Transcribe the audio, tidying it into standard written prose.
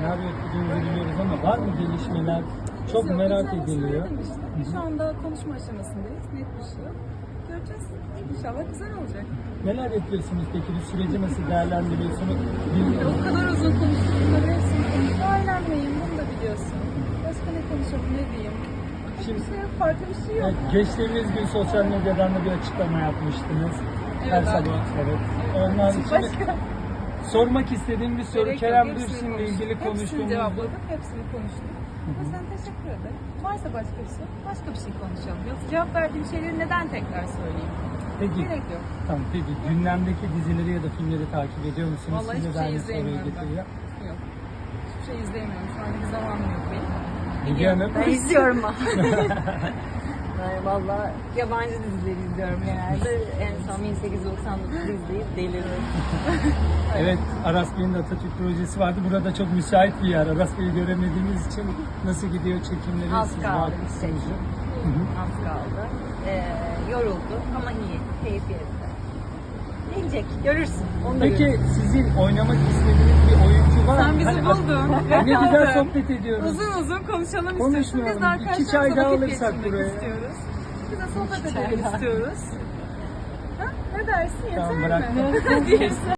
senaryo okuduğunuzu biliyoruz ama var mı gelişmeler? Çok Yok, merak inşallah ediliyor. söyledim işte. Şu anda konuşma aşamasındayız. Net bir şey yok. Göreceğiz. İnşallah güzel olacak. Neler yapıyorsunuz peki? Bu süreci nasıl değerlendiriyorsunuz? O kadar uzun konuştuk. Bunları hepsini konuştuk. Ailemleyim. Bunu da biliyorsun. Başka ne konuşalım, ne diyeyim? Şimdi- Hiçbir şey yok. Farklı bir şey yok. Evet, geçtiğimiz gün sosyal medyadan da bir açıklama yapmıştınız. Evet, Her abi. sabah. Evet. Ondan sonra Başka. sormak istediğim bir soru. Gerek yok, Kerem hepsini Bürsin'le konuştuk. ilgili Hepsini konuştuğumuz. cevapladık, hepsini konuştuk. O yüzden teşekkür ederim. Varsa başka bir şey, başka bir şey konuşalım. Yoksa cevap verdiğim şeyleri neden tekrar söyleyeyim? Peki, Gerek yok. tamam, peki gündemdeki dizileri ya da filmleri takip ediyor musunuz? Vallahi Siz de hiçbir şey aynı soruyu izleyemiyorum ben. getiriyor. Yok. Hiçbir şey izleyemiyorum. Şu an bir zamanım yok benim. Bilge Hanım. Ben izliyorum ama. Ben valla yabancı dizileri izliyorum genelde. En son 1899 izleyip deliriyorum. Evet, Aras Bey'in de Atatürk projesi vardı. Burada çok müsait bir yer. Aras Bey'i göremediğimiz için nasıl gidiyor çekimleri? Az Siz kaldı vakıfsınız. işte. Az kaldı. Yoruldu ama iyi. Keyfi yerinde. Gelecek. Görürsün. Onu da Peki görürsün. sizin oynamak istediğiniz bir oyuncu var mı? Sen bizi Hani- buldun. Ne güzel Yakaladın. sohbet ediyoruz. Uzun uzun konuşalım istiyorsun. Konuşmayalım. Biz de arkadaşlarımızla İki çay daha vakit alırsak geçirmek buraya. istiyoruz. Biz de sohbet İki çay edelim daha. istiyoruz. Ha? Ne dersin? Yeter Tamam, mi? bıraktım. Diyorsun.